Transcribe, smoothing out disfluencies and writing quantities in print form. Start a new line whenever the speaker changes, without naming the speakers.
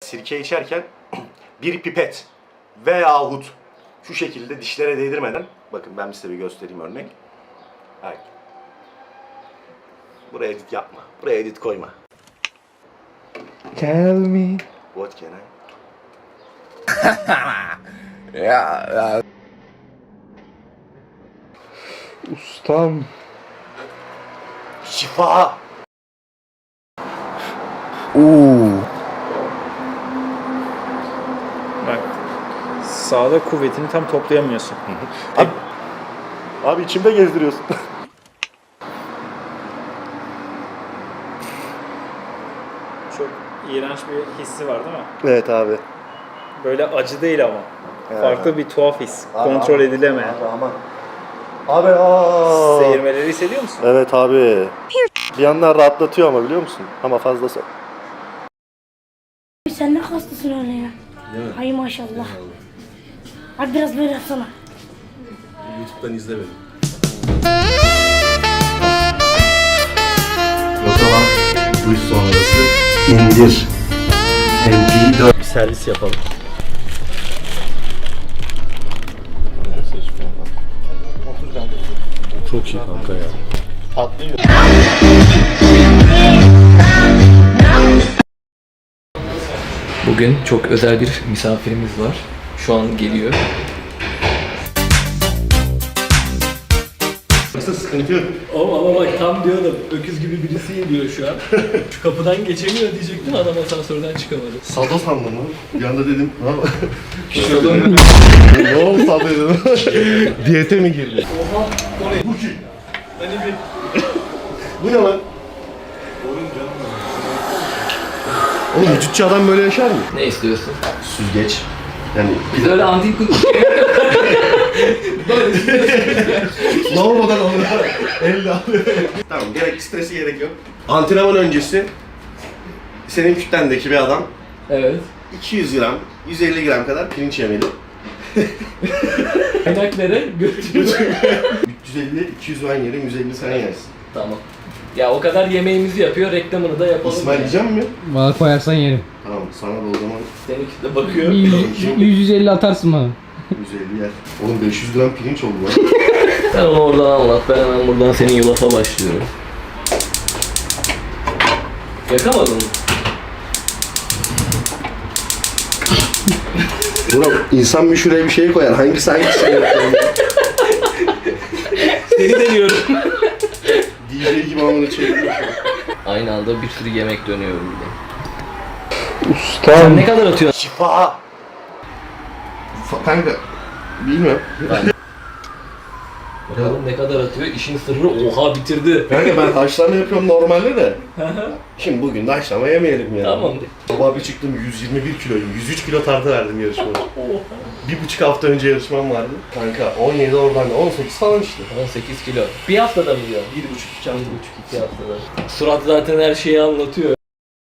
Sirke içerken bir pipet veyahut şu şekilde dişlere değdirmeden, bakın ben size bir göstereyim örnek. Hayır. Buraya edit yapma. Buraya edit koyma.
Tell me.
What can I?
Ya. Ustam.
Şifa.
Bak, sağda kuvvetini tam toplayamıyorsun.
Abi içimde gezdiriyorsun.
Çok iğrenç bir hissi var değil mi?
Evet abi.
Böyle acı değil ama.
Evet.
Farklı bir tuhaf his. Kontrol edilemeyen.
Abi aman. Abi aa.
Seyirmeleri hissediyor musun?
Evet abi. Bir yandan rahatlatıyor ama biliyor musun? Ama fazlası.
Sen ne hastasın öyle ya? Hay maşallah. Hadi biraz böyle yapsana.
YouTube'dan izle beni.
O zaman duş sonrası indir. MP4.
Bir servis yapalım. Çok iyi kanka ya. Patlıyor.
Bugün çok özel bir misafirimiz var. Şu an geliyor.
Nasıl sıkıntı yok?
Ama bak tam diyordum. Öküz gibi birisi geliyor şu an. Şu kapıdan geçemiyor diyecektim, adam asansörden çıkamadı.
Sado sandım lan. Bir anda dedim.
Şuradan
Ne oldu Sado dedim. Diyete mi girdi?
Oha, o ne?
Bu kim?
Hani bir
Bu ne lan? Oğlum vücutçu adam böyle yaşar mı?
ne istiyorsun?
Süzgeç. Yani
Biz öyle antik
lavabodan alıyor. Elle alıyor. Tamam, gerek stresi gerek yok. Antrenman öncesi senin kütlendeki bir adam
Evet.
200 gram, 150 gram kadar pirinç yemeli.
Kaynaklara götürüyor.
350, 200 ben yerim, 150 sen yersin.
Tamam. Ya o kadar yemeğimizi yapıyor, reklamını da yapalım.
İsmail yiyecek mi?
Bana koyarsan yerim.
Tamam, sana da o zaman
Senin kitle bakıyor.
150 atarsın bana.
150 yer. Oğlum 500 gram pirinç oldu lan.
Sen onu oradan anlat, ben hemen buradan senin yulafa başlıyorum. Yakamadın mı?
Buna insan bir şuraya bir şey koyar. Hangisi yapıyor?
Seni deniyorum.
DJ gibi amına çeviriyor.
Aynı anda bir sürü yemek dönüyorum bir de.
Ustam.
Sen ne kadar atıyorsun?
Şifa. Kanka, bilmiyorum.
Bakalım ne kadar atıyor? İşin sırrı oha bitirdi.
Kanka ben haşlama yapıyorum normalde de. Şimdi bugün de haşlama yemeyelim ya.
Tamam.
Sabah bir çıktım 121 kiloyum. 103 kilo tartı verdim yarışmada. 1,5 hafta önce yarışmam vardı. Kanka 17 oradan da 18 falan işte.
18 kilo. Bir haftada mı diyor? 1,5-2 haftada. Surat zaten her şeyi anlatıyor.